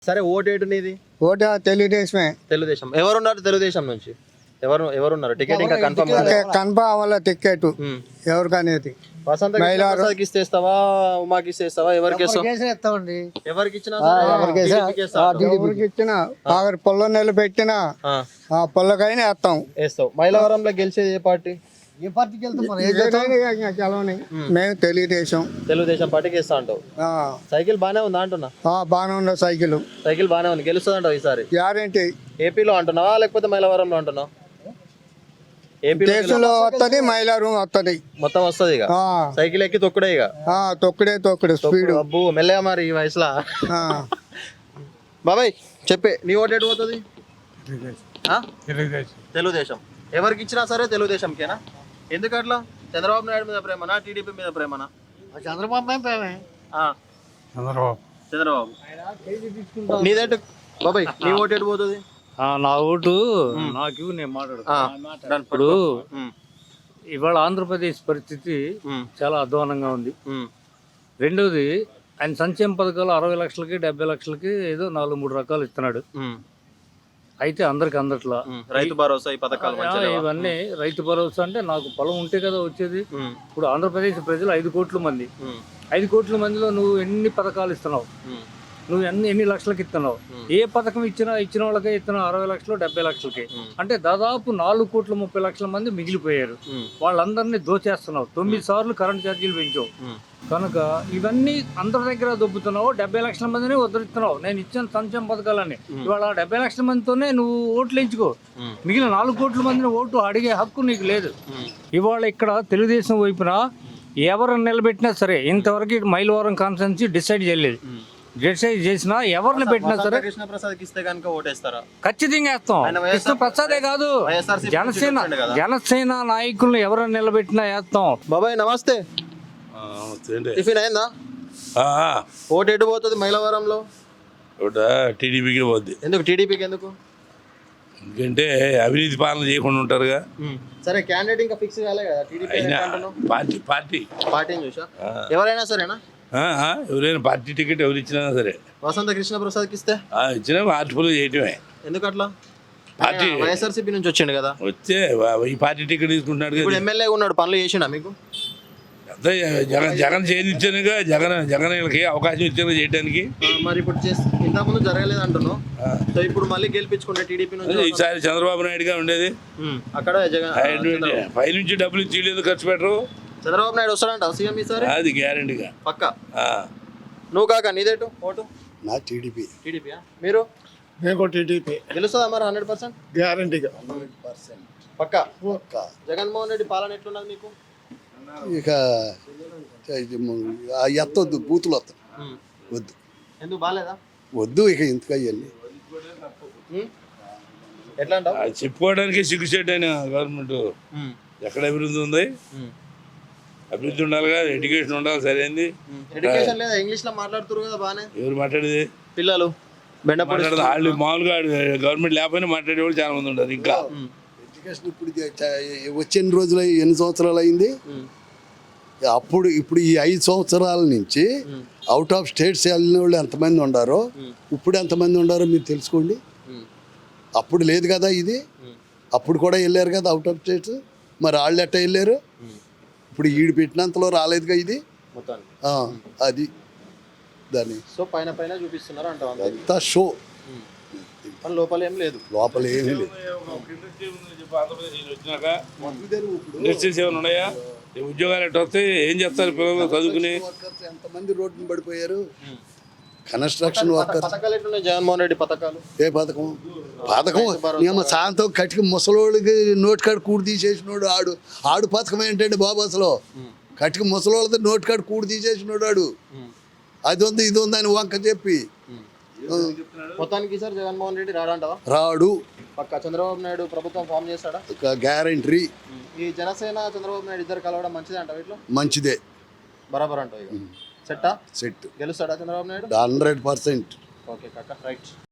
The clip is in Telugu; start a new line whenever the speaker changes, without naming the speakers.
సరే ఓటేటు నీది?
ఓటు తెలుగుదేశమే.
తెలుగుదేశం. ఎవరున్నారు తెలుగుదేశం నుంచి? ఎవరున్నారు? టికెట్ ఇంకా కన్ఫర్మ్
కన్ఫర్మ్ అవ్వాలి టికెట్ ఎవరికనేది.
వసంత ప్రసాద్కి ఇస్తేస్తావా, ఉమాకి ఇస్తేస్తావా? ఎవరికి
ఇస్తామండి.
ఎవరికి ఇచ్చినా
ఎవరికి ఇచ్చినా పొల్ల నిలబెట్టినా పొల్లకైనా
వేస్తావు. మైలవరంలో గెలిచేది ఏ పార్టీ?
ఏ పార్టీకి వెళ్తాం? మేము తెలుగుదేశం
పార్టీకి ఇస్తా అంటావు. సైకిల్ బానే ఉందా అంటున్నా?
బానే ఉంది. సైకిల్
బానే ఉంది. గెలుస్తుంది అంటావు ఈసారి?
గ్యారెంటీ.
ఏపీలో అంటున్నావా లేకపోతే మైలవరంలో అంటున్నావు?
దేశంలో వస్తుంది, మైలారం వస్తుంది,
మొత్తం వస్తుంది. ఇక సైకిల్ ఎక్కి తొక్కుడే. ఇక
తొక్కుడే స్పీడ్.
అబ్బు మెల్లగా మరి ఈ వయసులో. బాబాయ్ చెప్పే, నీ ఓటు ఎటు పోతుంది? తెలుగుదేశం. ఎవరికి ఇచ్చినా సరే తెలుగుదేశంకేనా? ఎందుకు అట్లా? చంద్రబాబు నాయుడు మీద ప్రేమనా, టీడీపీ మీద ప్రేమనా? చంద్రబాబు. నీదేంటి బాబాయ్? నీ ఓటు ఎటు పోతుంది?
నా ఓటు నాకు నేను మాట్లాడుతాను. ఇప్పుడు ఇవాళ ఆంధ్రప్రదేశ్ పరిస్థితి చాలా అధ్వానంగా ఉంది. రెండోది, ఆయన సంక్షేమ పథకాలు 60 లక్షలకి 70 లక్షలకి ఏదో 4-3 రకాలు ఇస్తున్నాడు. అయితే అందరికి అందట్లా.
రైతు భరోసా ఈ పథకాలు
ఇవన్నీ రైతు భరోసా అంటే నాకు పొలం ఉంటే కదా వచ్చేది. ఇప్పుడు ఆంధ్రప్రదేశ్ ప్రజలు 5 కోట్ల మంది. 5 కోట్ల మందిలో నువ్వు ఎన్ని పథకాలు ఇస్తున్నావు? నువ్వు ఎన్ని లక్షలకి ఇస్తున్నావు? ఏ పథకం ఇచ్చిన వాళ్ళకే ఇస్తున్నావు 60 లక్షలు 70 లక్షలకి. అంటే దాదాపు 4,30,00,000 మంది మిగిలిపోయారు. వాళ్ళందరినీ దోచేస్తున్నావు. 9 సార్లు కరెంట్ ఛార్జీలు పెంచావు. కనుక ఇవన్నీ అందరి దగ్గర దొబ్బుతున్నావు. 70 లక్షల మందిని ఉద్ధరిస్తున్నావు. నేను ఇచ్చిన సంక్షేమ పథకాలన్నీ ఇవాళ 70 లక్షల మందితోనే నువ్వు ఓట్లు ఎంచుకో. మిగిలిన 4 కోట్ల మందిని ఓటు అడిగే హక్కు నీకు లేదు. ఇవాళ ఇక్కడ తెలుగుదేశం వైపున ఎవరిని నిలబెట్టినా సరే, ఇంతవరకు మైలవరం కాన్స్టిట్యున్సీ డిసైడ్ చేయలేదు. డిసైడ్ చేసినా ఎవరిని పెట్టినా సరే ఖచ్చితంగా వేస్తాం. కృష్ణ ప్రసాదే కాదు, జనసేన నాయకులను ఎవరిని నిలబెట్టినా వేస్తాం.
బాబాయ్ నమస్తే. టిఫిన్ అయిందా? ఓటు ఎటు పోతుంది మైలవరంలో?
టీడీపీకి పోద్ది.
ఎందుకు టీడీపీకి? ఎందుకు?
ఎందుకంటే అవినీతి పాలన చేయకుండా ఉంటారుగా.
సరే, క్యాండిడేట్ ఇంకా ఫిక్స్ కాలే కదా? టీడీపీ పార్టీ చూసా ఎవరైనా సరేనా?
ఎవరైనా పార్టీ టికెట్ ఎవరు ఇచ్చినా సరే.
వసంత కృష్ణ ప్రసాద్కి ఇస్తే
ఇచ్చినా మార్పులు చేయటమే.
ఎందుకు అట్లా? పార్టీ వైఎస్ఆర్సీపీ నుంచి వచ్చిండు కదా.
వచ్చే ఈ పార్టీ టికెట్ తీసుకుంటున్నాడు.
ఇప్పుడు ఎమ్మెల్యే ఉన్నాడు, పనులు చేసిండా మీకు?
అదే జగన్ చేయించానుగా. జగన్ వీళ్ళకి అవకాశం ఇచ్చాను చేయడానికి.
మరి ఇప్పుడు ఇంతకుముందు జరగలేదు అంటున్నావు. సో ఇప్పుడు మళ్ళీ గెలిపించుకుంటే టీడీపీ నుంచి
ఈసారి చంద్రబాబు నాయుడుగా ఉండేది.
అక్కడ
పై నుంచి డబ్బులు ఇచ్చి ఖర్చు పెట్టరు.
చంద్రబాబు నాయుడు వస్తాడంట సీఎం ఈసారి?
అది గ్యారెంటీగా
పక్కా. నువ్వు కాక నీదేటు ఓటు?
నా టీడీపీ.
టీడీపీ. మీరు?
మేము టీడీపీ.
గెలుస్తుందా మరి 100%?
గ్యారెంటీగా
పక్కా. జగన్మోహన్ రెడ్డి పాలన ఎట్లున్నది మీకు?
ఇక ఎత్తొద్దు, బూతులు వస్తాయి. వద్దు.
ఎందుకు బాగాలేదా?
వద్దు ఇక ఇంతగా ఇవన్నీ
ఎట్లా అంటావు?
చెప్పుకోవడానికి సిగ్గుచేటు అయిన గవర్నమెంట్ ఎక్కడ అభివృద్ధి ఉంది? అభివృద్ధి ఉండాలిగా, ఎడ్యుకేషన్ ఉండాలి. సరైనది
ఎడ్యుకేషన్ లేదా? ఇంగ్లీష్ లో మాట్లాడుతున్నారు కదా బానే.
ఎవరు మాట్లాడేది?
పిల్లలు
వాళ్ళు మామూలుగా గవర్నమెంట్ లేకపోయినా మాట్లాడేవాళ్ళు చాలా మంది ఉంటారు. ఇంకా
ఎడ్యుకేషన్ ఇప్పుడు వచ్చిన రోజులు ఎన్ని సంవత్సరాలు అయింది? ఇప్పుడు ఈ 5 సంవత్సరాల నుంచి అవుట్ ఆఫ్ స్టేట్స్ వెళ్ళిన వాళ్ళు ఎంతమంది ఉండారో, ఇప్పుడు ఎంతమంది ఉండారో మీరు తెలుసుకోండి. అప్పుడు లేదు కదా ఇది. అప్పుడు కూడా వెళ్ళారు కదా అవుట్ ఆఫ్ స్టేట్స్. మరి వాళ్ళు ఎట్ట వెళ్ళారు? ఇప్పుడు ఈడు పెట్టినంతలో రాలేదుగా ఇది. అది దాన్ని
పైన పైన చూపిస్తున్నారు అంట.
అంతా షో,
లోపల ఏం లేదు.
లోపల ఏమీ లేదు.
ఇండస్ట్రీస్ ఏమైనా ఉన్నాయా? ఉద్యోగాలు ఎట్లా వస్తాయి? ఏం చేస్తారు పిల్లలు చదువుకుని?
ఎంతమంది రోడ్డుని పడిపోయారు? Construction workers.
జగన్మోహన్ రెడ్డి పథకాలు
ఏ పథకం? సాయంత్రం కటికి ముసలోళ్ళకి నోటి కాడ కూడి తీసేసినోడు ఆడు పథకం ఏంటండి బాబు? అసలు కటికి ముసలోళ్ళతో నోటి కాడ కూడి తీసేసినోడు ఆడు. అది ఉంది ఇది ఉంది అని వంక చెప్పి
మొత్తానికి సార్ జగన్మోహన్ రెడ్డి రాడంటావా?
రాడు.
పక్క చంద్రబాబు నాయుడు ప్రభుత్వం ఫామ్ చేస్తాడా?
గ్యారెంటీ.
ఈ జనసేన చంద్రబాబు నాయుడు ఇద్దరు కలవడం మంచిదే అంటావా? ఇట్లా
మంచిదే,
బరాబర్ అంటావు. ఇక సెట్టా?
సెట్.
గెలుస్తాడా చంద్రబాబు నాయుడు?
100%.
ఓకే కాక, రైట్.